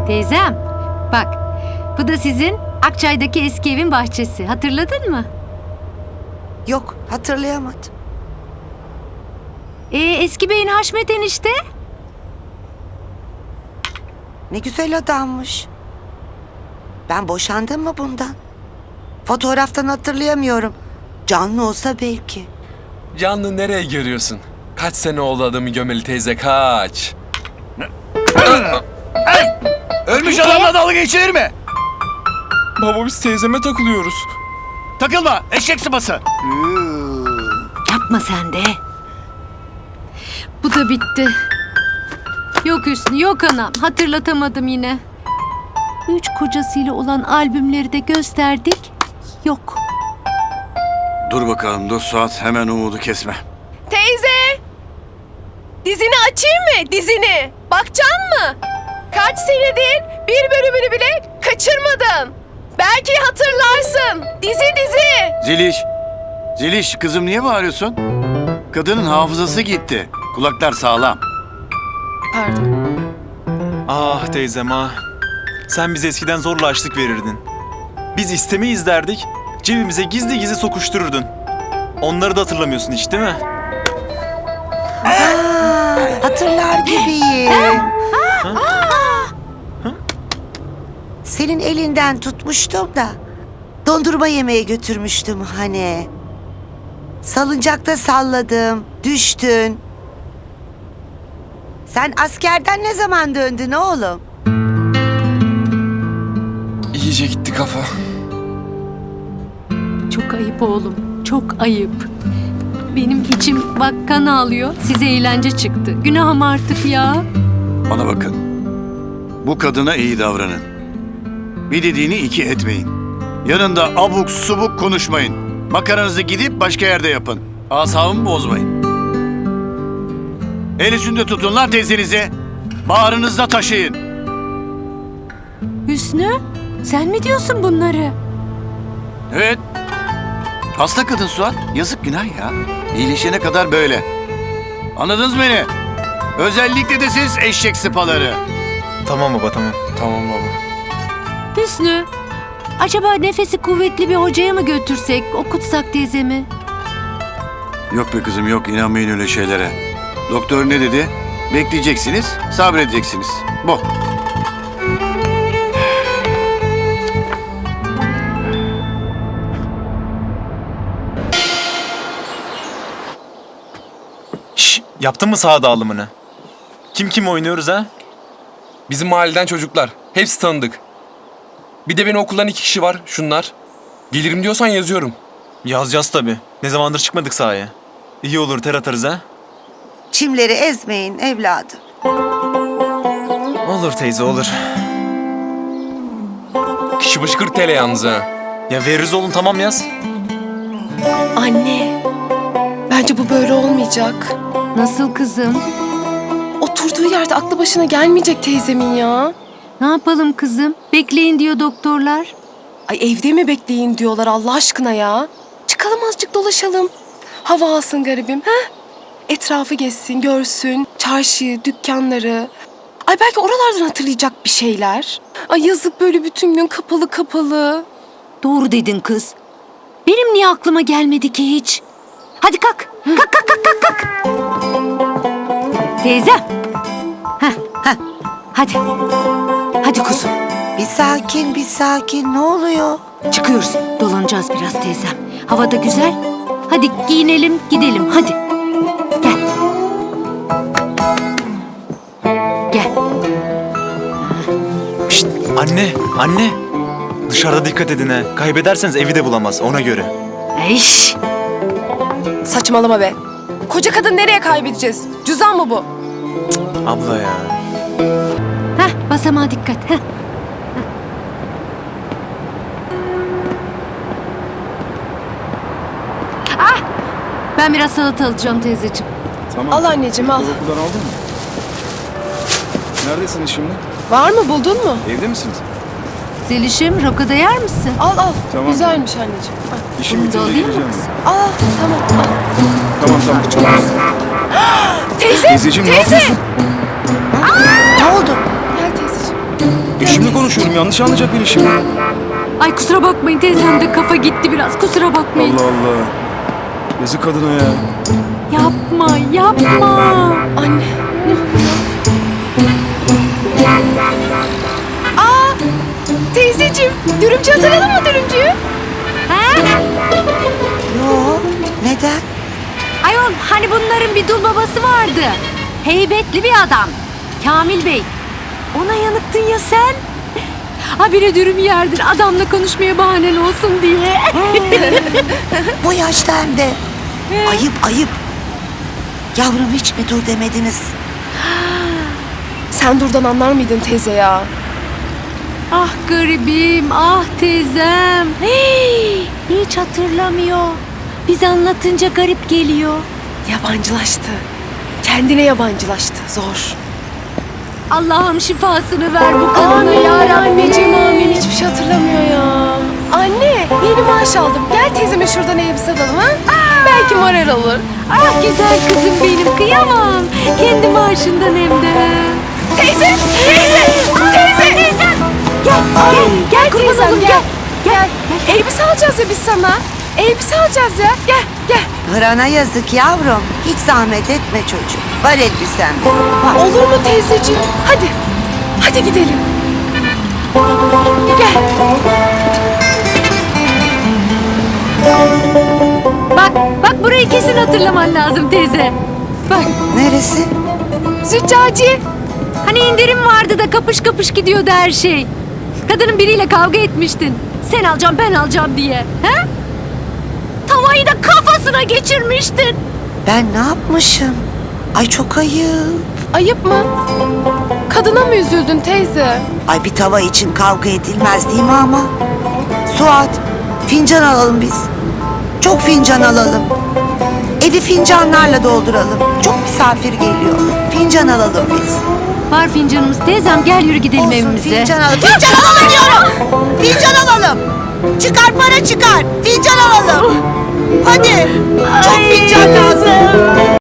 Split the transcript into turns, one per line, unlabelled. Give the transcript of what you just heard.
Teyzem, bak bu da sizin Akçay'daki eski evin bahçesi. Hatırladın mı?
Yok, hatırlayamadım.
Eski beyin Haşmet enişte.
Ne güzel adammış. Ben boşandım mı bundan? Fotoğraftan hatırlayamıyorum. Canlı olsa belki.
Canlı nereye görüyorsun? Kaç sene oldu adamı gömeli teyze, kaç?
Ölmüş adamla dalga geçilir mi?
Baba biz teyzeme takılıyoruz.
Takılma, eşek sıpası.
Yapma sen de. Bu da bitti. Yok Hüsnü, yok anam. Hatırlatamadım yine. 3 kocasıyla olan albümleri de gösterdik. Yok.
Dur bakalım, dur Suat, hemen umudu kesme.
Teyze! Dizini açayım mı? Dizini. Bakacaksın mı? Kaç senedir bir bölümünü bile kaçırmadın. Belki hatırlarsın. Dizi.
Ziliş kızım niye bağırıyorsun? Kadının hafızası gitti. Kulaklar sağlam.
Pardon.
Ah teyzem ah. Sen bize eskiden zorla açlık verirdin. Biz istemeyiz derdik, cebimize gizli gizli sokuştururdun. Onları da hatırlamıyorsun hiç değil mi?
Hatırlar gibiyim. Senin elinden tutmuştum da dondurma yemeye götürmüştüm hani. Salıncakta salladım, düştün. Sen askerden ne zaman döndün oğlum?
İyice gitti kafa.
Çok ayıp oğlum. Çok ayıp. Benim içim bak kan ağlıyor. Size eğlence çıktı. Günahım artık ya.
Bana bakın. Bu kadına iyi davranın. Bir dediğini iki etmeyin. Yanında abuk subuk konuşmayın. Makaranızı gidip başka yerde yapın. Asabımı bozmayın. El üstünde tutun lan teyzenizi. Bağrınızda taşıyın.
Hüsnü, sen mi diyorsun bunları?
Evet. Hasta kadın Suat. Yazık, günah ya. İyileşene kadar böyle. Anladınız mı beni? Özellikle de siz eşek sıpaları.
Tamam baba tamam.
Tamam baba.
Hüsnü, acaba nefesi kuvvetli bir hocaya mı götürsek, okutsak teyzemi?
Yok be kızım yok, inanmayın öyle şeylere. Doktor ne dedi? Bekleyeceksiniz, sabredeceksiniz. Bu.
Şş, yaptın mı saha dağılımını? Kim oynuyoruz ha?
Bizim mahalleden çocuklar. Hepsi tanıdık. Bir de beni okuldan 2 kişi var, şunlar. Gelirim diyorsan yazıyorum.
Yazacağız tabii. Ne zamandır çıkmadık sahaya. İyi olur ter atarız ha.
Çimleri ezmeyin evladım.
Olur teyze olur.
Kişi başı 40 TL yalnız ha.
Ya veririz oğlum tamam yaz.
Anne. Bence bu böyle olmayacak.
Nasıl kızım?
Oturduğu yerde aklı başına gelmeyecek teyzemin ya.
Ne yapalım kızım? Bekleyin diyor doktorlar.
Ay evde mi bekleyin diyorlar Allah aşkına ya. Çıkalım azıcık dolaşalım. Hava alsın garibim. He? Etrafı gezsin, görsün. Çarşıyı, dükkanları. Ay belki oralardan hatırlayacak bir şeyler. Ay yazık böyle bütün gün kapalı kapalı.
Doğru dedin kız. Benim niye aklıma gelmedi ki hiç? Hadi kalk. Kalk. Teyze. Hadi. Hadi kuzum.
Bir sakin. Ne oluyor?
Çıkıyoruz. Dolanacağız biraz teyzem. Hava da güzel. Hadi giyinelim, gidelim. Hadi. Gel. Gel.
Şşt, anne. Dışarıda dikkat edin ha. Kaybederseniz evi de bulamaz ona göre.
Eş.
Saçmalama be. Koca kadın nereye kaybedeceğiz? Cüzdan mı bu?
Abla ya.
Basamağa dikkat. Ben biraz salata alacağım teyzeciğim.
Tamam.
Al anneciğim al.
Okuldan aldın mı? Neredesiniz şimdi?
Var mı buldun mu?
Evde misiniz?
Zelişim, roka yer misin?
Al.
Tamam.
Güzelmiş anneciğim. Al.
İşim
Bunu da
bitince
alayım mı
geleceğim.
kızım?
Al tamam al.
Tamam.
Teyze!
Teyzeciğim ne yapıyorsun?
Ne oldu?
Gel teyzeciğim.
konuşuyorum. Yanlış anlayacak beni şimdi.
Ay kusura bakmayın teyzem de kafa gitti biraz. Kusura bakmayın.
Allah Allah. Yazık kadına ya.
Yapma yapma.
Anne. Teyzeciğim, dürümcü hatırladın mı dürümcüyü?
Yo, neden?
Ayol hani bunların bir dul babası vardı. Heybetli bir adam. Kamil Bey. Ona yanıktın ya sen. Habire dürüm yerdir adamla konuşmaya bahanen olsun diye.
Bu yaşta hem de. Ayıp ayıp. Yavrum hiç mi dur demediniz?
Sen durdan anlar mıydın teyze ya?
Ah garibim, ah teyzem. Hey, hiç hatırlamıyor. Biz anlatınca garip geliyor.
Yabancılaştı. Kendine yabancılaştı. Zor.
Allah'ım şifasını ver bu kadına
Amin
ya Rabbi.
anneciğim amin. Hiçbir şey hatırlamıyor ya. Anne yeni maaş aldım. Gel teyzeme şuradan elbise alalım ha. Belki moral olur.
Ah güzel kızım benim kıyamam. Kendi maaşından hem de.
Teyze! Teyze!
Gel, gel kurban
teyzem,
olayım,
gel.
gel.
Elbise alacağız ya biz sana. Elbise alacağız ya. Gel.
Hırana yazık yavrum. Hiç zahmet etme çocuk. Var elbisem. Var.
Olur mu teyzeciğim? Hadi. Hadi gidelim. Gel.
Bak burayı kesin hatırlaman lazım teyze. Bak
Neresi?
Züccaci.
hani indirim vardı da kapış kapış gidiyordu her şey. Kadının biriyle kavga etmiştin. Sen alacağım ben alacağım diye. He? Tavayı da kafasına geçirmiştin.
Ben ne yapmışım? Ay çok ayıp.
Ayıp mı? Kadına mı üzüldün teyze?
Ay bir tava için kavga edilmez değil mi ama? Suat, fincan alalım biz. Çok fincan alalım. Evi fincanlarla dolduralım. Çok misafir geliyor. Fincan alalım biz.
Var fincanımız teyzem gel yürü gidelim
Olsun,
evimize.
fincan alalım. Fincan alalım diyorum. Fincan alalım. Çıkar para çıkar. Fincan alalım. Hadi. Çok fincan lazım.